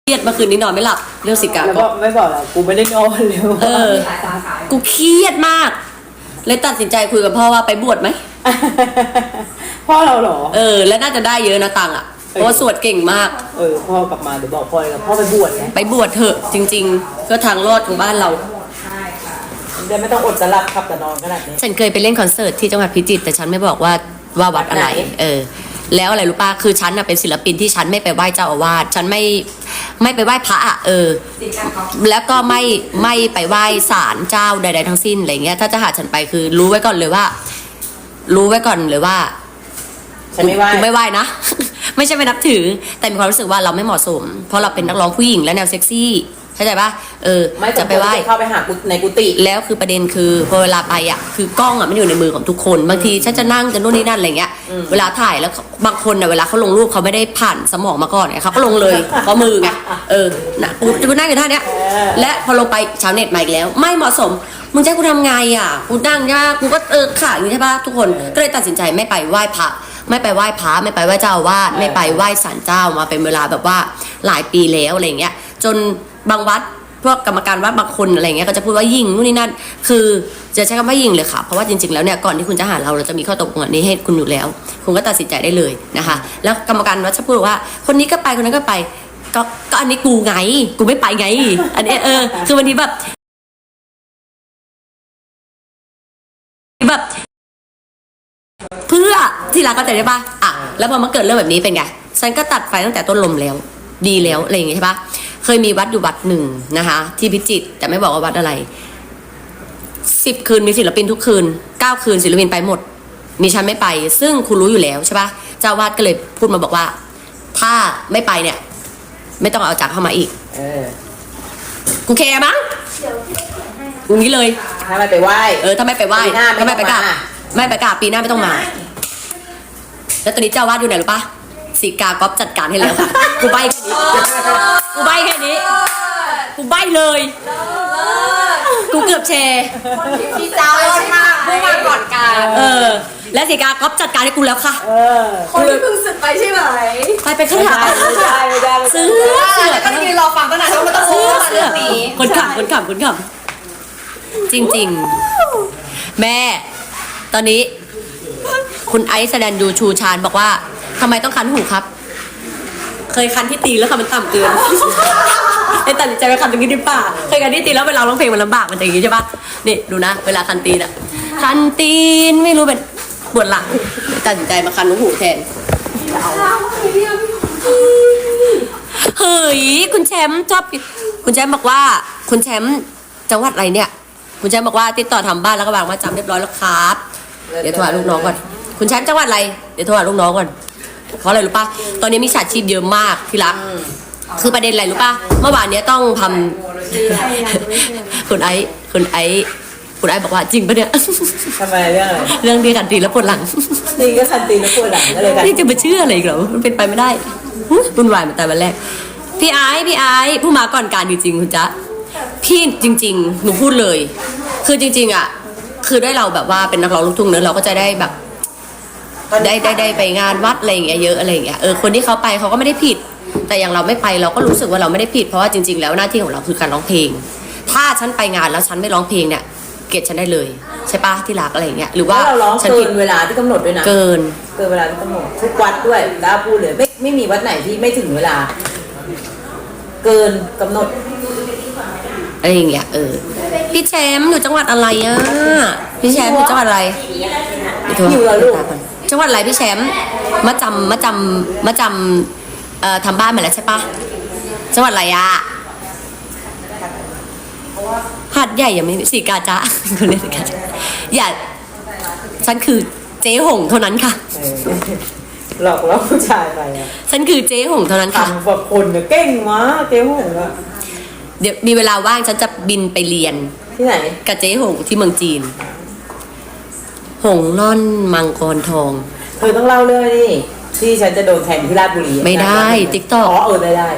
เครียดเมื่อคืนนี้นอนไม่หลับเรื่องสิกาแล้วก็ไม่บอกแล้วกูไม่ได้นอนเลยกูเครียดมากเลยตัดสินใจคุยกับพ่อว่าไปบวชไหมพ่อเราเหรอแล้วน่าจะได้เยอะนะตังค์อ่ะเพราะว่าสวดเก่งมากพ่อกลับมาเดี๋ยวบอกพ่อเลยพ่อไปบวชไงไปบวชเถอะจริงๆก็ทางรอดของบ้านเราเดี๋ยวไม่ต้องอดจะหลับขับแต่นอนขนาดนี้ฉันเคยไปเล่นคอนเสิร์ตที่จังหวัดพิจิตรแต่ฉันไม่บอกว่าวัดอะไรวัดไหนแล้วอะไรรู้ป่ะคือฉันน่ะเป็นศิลปินที่ฉันไม่ไปไหว้เจ้าอาวาสฉันไม่ไปไหว้พระอ่ะแล้วก็ไม่ไปไหว้ศาลเจ้าใดๆทั้งสิ้นอะไรเงี้ยถ้าจะหาฉันไปคือรู้ไว้ก่อนเลยว่าฉันไม่ไหวกูไม่ไหว้นะ ไม่ใช่ไม่นับถือแต่มีความรู้สึกว่าเราไม่เหมาะสม เพราะเราเป็นนักร้องผู้หญิงและแนวเซ็กซี่เข้าใจปะไม่จะไปไหว้เข้าไปหาในกุฏิแล้วคือประเด็นคือพอเวลาไปอ่ะคือกล้องอ่ะมันอยู่ในมือของทุกคนบางทีฉันจะนั่งจะนู่นนี่นั่นอะไรเงี้ยเวลาถ่ายแล้วบางคนอ่ะเวลาเขาลงรูปเขาไม่ได้ผ่านสมองมาก่อนไงเขาก็ลงเลยเพราะมือไงนะกูนั่งอยู่ท่าเนี้ยและพอลงไปชาวเน็ตมาอีกแล้ว ไม่เหมาะสมมึงจะให้กูทำไงอ่ะกูนั่งยากกูก็ขาอย่างนี้ใช่ปะทุกคนก็เลยตัดสินใจไม่ไปไหว้พระไม่ไปไหว้พระไม่ไปไหว้เจ้าอาวาสไม่ไปไหว้ศาลเจ้ามาเป็นเวลาแบบว่าหลายปีแล้วอะไรเงี้ยจนบางวัดพวกกรรมการวัดบางคนอะไรเงี้ยก็จะพูดว่ายิงนู่นนี่นั่นคือจะใช้คำว่ายิงเลยค่ะเพราะว่าจริงๆแล้วเนี่ยก่อนที่คุณจะหาเราจะมีข้อตกลงอันนี้ให้คุณอยู่แล้วคุณก็ตัดสินใจได้เลยนะคะแล้วกรรมการวัดจะพูดว่าคนนี้ก็ไปคนนั้นก็ไปก็อันนี้กูไงกูไม่ไปไงอันนี้คือบางทีแบบเพื่อที่รักก็ใจได้ป่ะแล้วพอมาเกิดเรื่องแบบนี้เป็นไงฉันก็ตัดไฟตั้งแต่ต้นลมแล้วดีแล้วอะไรอย่างเงี้ยใช่ป่ะเคยมีวัดอยู่วัดหนึ่งนะคะที่พิจิตรแต่ไม่บอกว่าวัดอะไร10 คืนมีศิลปินทุกคืน9 คืนศิลปินไปหมดมีฉันไม่ไปซึ่งคุณรู้อยู่แล้วใช่ป่ะเจ้าวาดก็เลยพูดมาบอกว่าถ้าไม่ไปเนี่ยไม่ต้องเอาจากเข้ามาอีกกูแคร์มั้งอย่างนี้เลยถ้าไม่ไปไหว้ถ้าไม่ไปไหว้ถ้าไม่ไปกราบไม่ไปกราบปีหน้าไม่ต้องมาแล้วตอนนี้เจ้าวาดอยู่ไหนรู้ป่ะสีกาก๊อฟจัดการให้แล้วค่ะกูใบแค่นี้กูใบแค่นี้กูใบเลยกูเกือบแชร์พี่เจ้าร้อนมากเมื่อวานก่อนการและสีกาก๊อฟจัดการให้กูแล้วค่ะคนที่เพิ่งสึกไปใช่ไหมไปขนาดซื้อก็ยืนรอฟังตั้งนานแล้วมันต้องซื้อเรื่องนี้คนขำจริงๆแม่ตอนนี้คุณไอซ์แสดงดูชูชานบอกว่าทำไมต้องคันหูครับเคยคันที่ตีแล้วค่ะมันต่ำเกินไอ้ตัดใจไปคันตรงนี้ดิป่าเคยคันที่ตีแล้วเวลาร้องเพลงมันลำบากมันอย่างนี้ใช่ปะนี่ดูนะเวลาคันตีนคันตีนไม่รู้เป็นปวดหลังตัดสินใจมาคันหูแทนเฮ้ยคุณแชมป์ชอบคุณแชมป์บอกว่าคุณแชมป์จังหวัดอะไรเนี่ยคุณแชมป์บอกว่าติดต่อทำบ้านแล้วก็วางมาจำเรียบร้อยแล้วครับเดี๋ยวโทรหาลูกน้องก่อนคุณแชมป์จังหวัดอะไรเดี๋ยวโทรหาลูกน้องก่อนเพราะอะไรรู้ป่ะตอนนี้มีฉาชีพเยอะมากที่รักคือประเด็นอะไรรู้ป่ะเมื่อวานนี้ต้องทำคุณไอบอกว่าจริงปะเนี่ยทำไมเรื่องอะไรเรื่องที่คันตีแล้วปวดหลังนี่ก็คันตีแล้วปวดหลังอะไรกันนี่จะมาเชื่ออะไรอีกเหรอมันเป็นไปไม่ได้วุ่นวายมาแต่วันแรกพี่ไอผู้มาก่อนการจริงๆคุณจ๊ะพี่จริงๆหนูพูดเลยคือจริงๆอ่ะคือได้เราแบบว่าเป็นนักร้องลูกทุ่งเนอะเราก็จะได้แบบได้ไปงานวัดอะไรอย่างเงี้ยเยอะอะไรอย่างเงี้ยคนที่เขาไปเขาก็ไม่ได้ผิดแต่อย่างเราไม่ไปเราก็รู้สึกว่าเราไม่ได้ผิดเพราะว่าจริงๆแล้วหน้าที่ของเราคือการร้องเพลงถ้าฉันไปงานแล้วฉันไม่ร้องเพลงเนี่ยเกลียดฉันได้เลยใช่ปะที่รักอะไรอย่างเงี้ยหรือว่าเราร้องเกินเวลาที่กำหนดด้วยนะเกินเวลาที่กำหนดทุกวัดด้วยแล้วพูดเลยไม่มีวัดไหนที่ไม่ถึงเวลาเกินกำหนดอะไรอย่างเงี้ยพี่แชมป์อยู่จังหวัดอะไรอ่ะพี่แชมป์อยู่จังหวัดอะไรอยู่แล้วลูกจังหวัดอะไรพี่แชมป์มาจำทำบ้านมาแล้วใช่ปะจังหวัดอะไรอ่ะหาดใหญ่ยังไม่สีกาจ้าคนเล่นสีกาจ้าอย่าฉันคือเจ๊หงเท่านั้นค่ะหลอกล่อผู้ชายไปฉันคือเจ๊หงเท่านั้นค่ะแบบคนเนี่ยเก่งมากเจ๊หงอะเดี๋ยวมีเวลาว่างฉันจะบินไปเรียนที่ไหนกับเจ๊หงที่เมืองจีนหงล่อนมังกรทองเธอต้องเล่าเรื่องนี่ที่ฉันจะโดนแทงที่ราชบุรีไม่ได้ติ๊กต็อกได้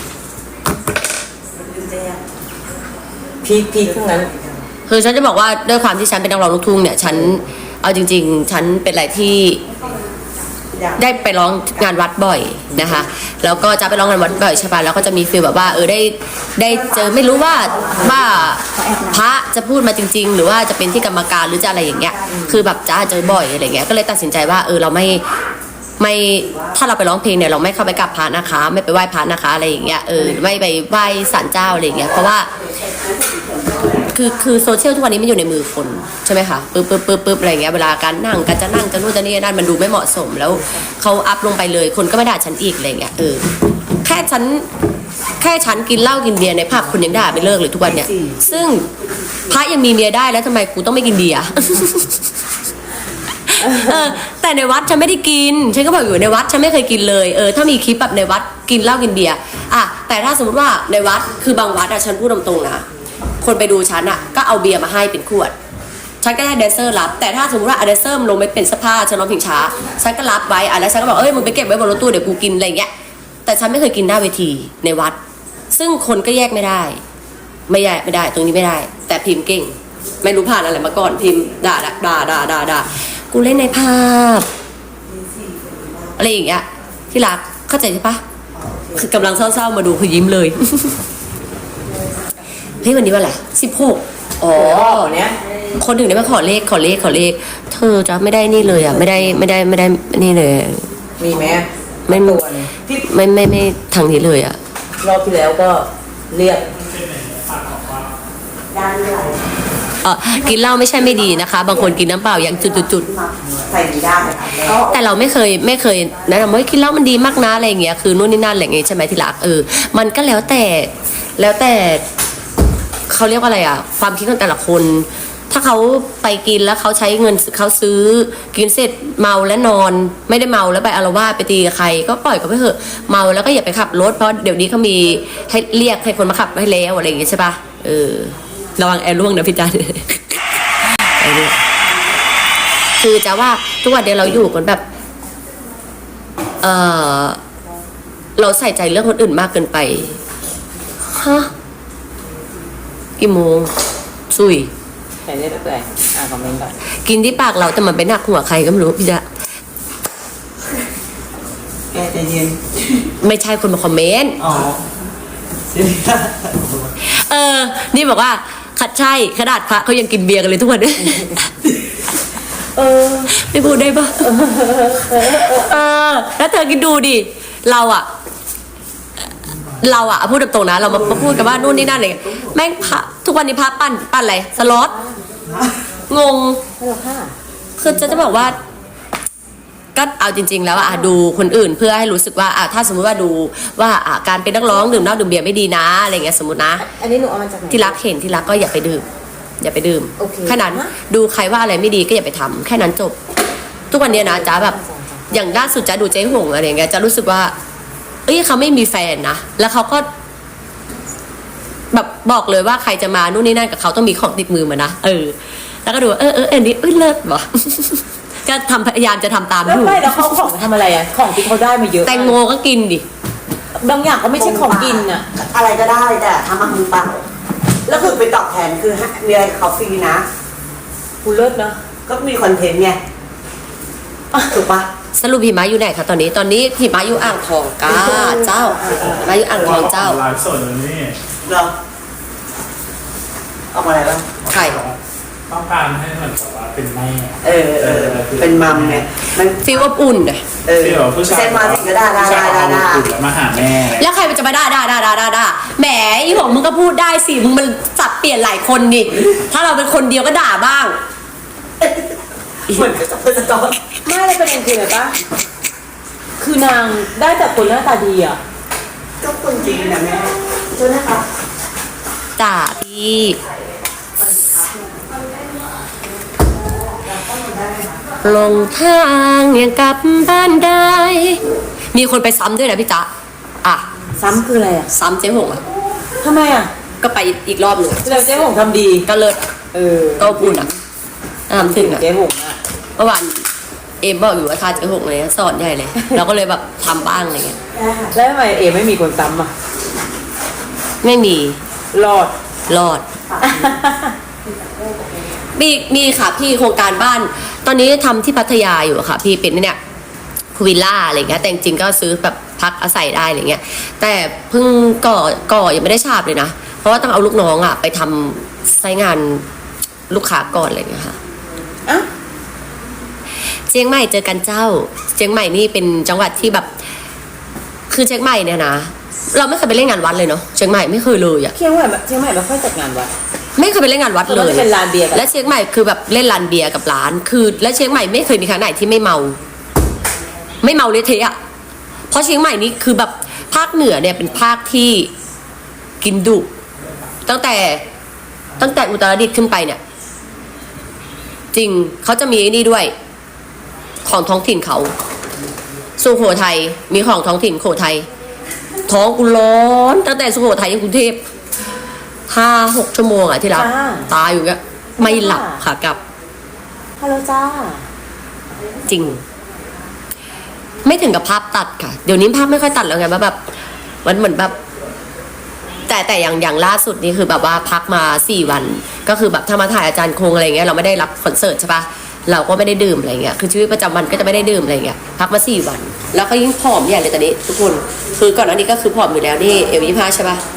พีคทั้งนั้นคือฉันจะบอกว่าด้วยความที่ฉันเป็นนักร้องลูกทุ่งเนี่ยฉันเอาจริงๆฉันเป็นอะไรที่ได้ไปร้องงานวัดบ่อยนะคะแล้วก็จะไปร้องงานวัดบ่อยใช่ป่ะแล้วก็จะมีฟีลแบบว่าได้เจอไม่รู้ว่าพระจะพูดมาจริง ๆ หรือว่าจะเป็นที่กรรมการหรือจะอะไรอย่างเงี้ยคือแบบจ้าเจอบ่อยอะไรเงี้ยก็เลยตัดสินใจว่าเราไม่ถ้าเราไปร้องเพลงเนี่ยเราไม่เข้าไปกับพระนะคะไม่ไปไหว้พระนะคะอะไรอย่างเงี้ยไม่ไปไหว้ศาลเจ้าอะไรอย่างเงี้ยเพราะว่าคือโซเชียลทุกวันนี้มันอยู่ในมือคนใช่ไหมคะปึ๊บอะไรเงี้ยเวลาการนั่งกันจะนั่งจะนู่นจะนี่นั่นมันดูไม่เหมาะสมแล้วเขาอัพลงไปเลยคนก็ไม่ด่าฉันอีกอะไรเงี้ยแค่ฉันกินเหล้ากินเบียร์ในผับคุณยังด่าไม่เลิกเลยทุกวันเนี่ยซึ่งพระยังมีเมียได้แล้วทำไมกูต้องไม่กินเบียร์ แต่ในวัดฉันไม่ได้กินฉันก็บอกอยู่ในวัดฉันไม่เคยกินเลยถ้ามีคลิปแบบในวัดกินเหล้ากินเบียร์แต่ถ้าสมมติว่าในวัดคือบางวัดฉันพูดตรงๆนะคนไปดูฉันก็เอาเบียร์มาให้เป็นขวดฉันก็ให้แดนเซอร์รับแต่ถ้าสมมติว่าแดนเซอร์ลงไปเป็นสภาฉันร้องเพลงช้าฉันก็รับไว้แล้วฉันก็บอกมึงไปเก็บไว้บนรถตู้เดี๋ยวกูกินอะไรเงี้ยแต่ฉันไม่เคยกินหน้าเวทีในวัดซึ่งคนก็แยกไม่ได้ตรงนี้ไม่ได้ แต่พิมพ์เก่งไม่รู้ผ่านอะไรมาก่อนพิมพ์ด่ากูเล่นในภาพอะไรอย่างเงี้ยที่รักเข้าใจใช่ปะคือกำลังเศร้าๆมาดูคือยิ้มเลย เฮ้ยวันนี้วันอะไร16อ๋อเนี่ยคนถึงได้มาขอเลขเธอจะไม่ได้นี่เลยไม่ได้นี่เลยมีไหมไม่ทางนี้เลยรอบที่แล้วก็เรียกกินเหล้าไม่ใช่ไม่ดีนะคะบางคนกินน้ำเปล่าอย่างจุดใส่ดีได้แต่เราไม่เคยแนะนำว่ากินเหล้ามันดีมากนะอะไรอย่างเงี้ยคือนู่นนี่นั่นอะไรอย่างเงี้ยใช่ไหมที่รักมันก็แล้วแต่เขาเรียกว่าอะไรความคิดของแต่ละคนถ้าเขาไปกินแล้วเขาใช้เงินเขาซื้อกินเสร็จเมาและนอนไม่ได้เมาแล้วไปอาละวาดไปตีกับใครก็ปล่อยเขาไปเถอะเมาแล้วก็อย่าไปขับรถเพราะเดี๋ยวนี้เขามีให้เรียกให้คนมาขับให้แล้วอะไรอย่างเงี้ยใช่ปะระวังแอร์ร่วงนะพี่จันคือจะว่าทุกวันเดียวเราอยู่กันแบบเราใส่ใจเรื่องคนอื่นมากเกินไปฮะกี่โมงซุยใส่ได้ตั้งแต่คอมเมนต์ก่อนกินที่ปากเราแต่มันไปหนักหัวใครก็ไม่รู้พี่จ๊ะแกใจเย็นไม่ใช่คนมาคอมเมนต์นี่บอกว่าขัดใช่ขนาดพระเขายังกินเบียร์กันเลยทุกวันเนี่ยไม่พูดได้ปะแล้วเธอคิดดูดิเราพูดตรงๆนะเรามาพูดกันว่านู่นนี่นั่นอะไรแม่งพระทุกวันนี้พระปั้นอะไรสล็อตงงคือจะบอกว่าก็เอาจริงๆแล้วดูคนอื่นเพื่อให้รู้สึกว่าถ้าสมมติว่าดูว่าการเป็นนักร้องดื่มเหล้าดื่มเบียร์ไม่ดีนะอะไรเงี้ยสมมตินะอันนี้หนูเอามาจากไหนที่รักเห็นที่รักก็อย่าไปดื่มแค่นั้นดูใครว่าอะไรไม่ดีก็อย่าไปทำแค่นั้นจบทุกวันนี้นะจ๊ะแบบอย่างล่าสุดจ๊ะดูเจ๊หงอะไรเงี้ยจะรู้สึกว่าเขาไม่มีแฟนนะแล้วเขาก็แบบบอกเลยว่าใครจะมานู่นนี่นั่นกับเขาต้องมีของติดมือมานะแล้วก็ดูอันนี้เลิศว่ะก็พยายามจะทำตามอยู่แล้วเขาของทำอะไรของที่เขาได้มาเยอะแตงโมก็กินดิบางอย่างก็ไม่ใช่ของกินอะไรก็ได้แต่ทำมามือเปล่าแล้วคือไปตอบแทนคือมีอะไรเขาฟรีนะกูเลิศนะก็มีคอนเทนต์ไงถูกปะสรุปพี่ม้าอยู่ไหนคะตอนนี้พี่ม้าอยู่อ่างทองก้าเจ้ามาอยู่อ่างทองเจ้าไลฟ์สดเลยนี่เหรอเอามาอะไรบ้างไข่ต้องการให้เหมือนกับว่าเป็นแม่เป็นมัมไงมันฟีลอบอุ่นฟีลผู้ชายมาถึงก็ด่ามาหาแม่แล้วใครมันจะมาด่าแหมอีหงมึงก็พูดได้สิมึงมันสับเปลี่ยนหลายคนดิถ้าเราเป็นคนเดียวก็ด่าบ้างเหมือนกับเป็นสตอร์ไม่เลยเป็นคืออะไรปะคือนางได้แต่คนหน้าตาดีก็คนจริงนะแม่ใช่ไหมคะจ่าพี่ลงทางยังกลับบ้านได้มีคนไปซ้ำด้วยนะพี่จ๊ะซ้ำคืออะไรซ้ำเจ๊หงทำไมก็ไปอีกรอบหนึ่งแล้วเจ๊หงทำดีก็เลิศก็ปุ่นถึงเจ๊หงเมื่อวานบอกอยู่ว่าทาเจ๊หงเลยสอนใหญ่เลยเราก็เลยแบบทำบ้างอะไรเงี้ยแล้วทำไมไม่มีคนซ้ำไม่มีรอดมีค่ะพี่โครงการบ้านตอนนี้ทำที่พัทยาอยู่ค่ะพี่เป็นเนี่ยพูลวิลล่าอะไรเงี้ยแต่จริงๆก็ซื้อแบบพักอาศัยได้อะไรเงี้ยแต่เพิ่งก่อยังไม่ได้ฉาบเลยนะเพราะว่าต้องเอาลูกน้องไปทำไซต์งานลูกค้าก่อนอะไรเงี้ยค่ะอ่ะเชียงใหม่เจอกันเจ้าเชียงใหม่นี่เป็นจังหวัดที่แบบคือเชียงใหม่เนี่ยนะเราไม่เคยไปเล่นงานวัดเลยเนาะเชียงใหม่ไม่เคยเลยอะเชียงใหม่ไม่ค่อยจัดงานวัดไม่เคยไปเล่นงานวัดเลยมันจะเป็นลานเบียร์กันและเชียงใหม่คือแบบเล่นลานเบียร์กับร้านคือและเชียงใหม่ไม่เคยมีครั้งไหนที่ไม่เมาเละเทะอะเพราะเชียงใหม่นี่คือแบบภาคเหนือเนี่ยเป็นภาคที่กินดุตั้งแต่อุตรดิตถ์ขึ้นไปเนี่ยจริงเขาจะมีไอ้นี่ด้วยของท้องถิ่นเขาสุโขทัยมีของท้องถิ่นโขทัยท้องกูร้อนตั้งแต่สุโขทัยยังกรุงเทพ5-6 ชั่วโมงอะที่รับจ้าตายอยู่เงี้ยไม่หลับค่ะกลับฮัลโหลจ้าจริง ไม่ถึงกับภาพตัดค่ะ เดี๋ยวนี้ภาพไม่ค่อยตัดแล้วไงว่าแบบมันเหมือนแบบ แต่อย่างล่าสุดนี่คือแบบว่าพักมา4 วัน ก็คือแบบถ้ามาถ่ายอาจารย์คงอะไรเงี้ยเราไม่ได้รับคอนเสิร์ตใช่ปะเราก็ไม่ได้ดื่มอะไรเงี้ยคือชีวิตประจำวันก็จะไม่ได้ดื่มอะไรเงี้ยพักมา4 วัน แล้วก็ยิ่งผอมใหญ่เลยตอนนี้ทุกคนคือก่อนหน้านี้ก็คือผอมอยู่แล้วนี่เอว25ใช่ปะ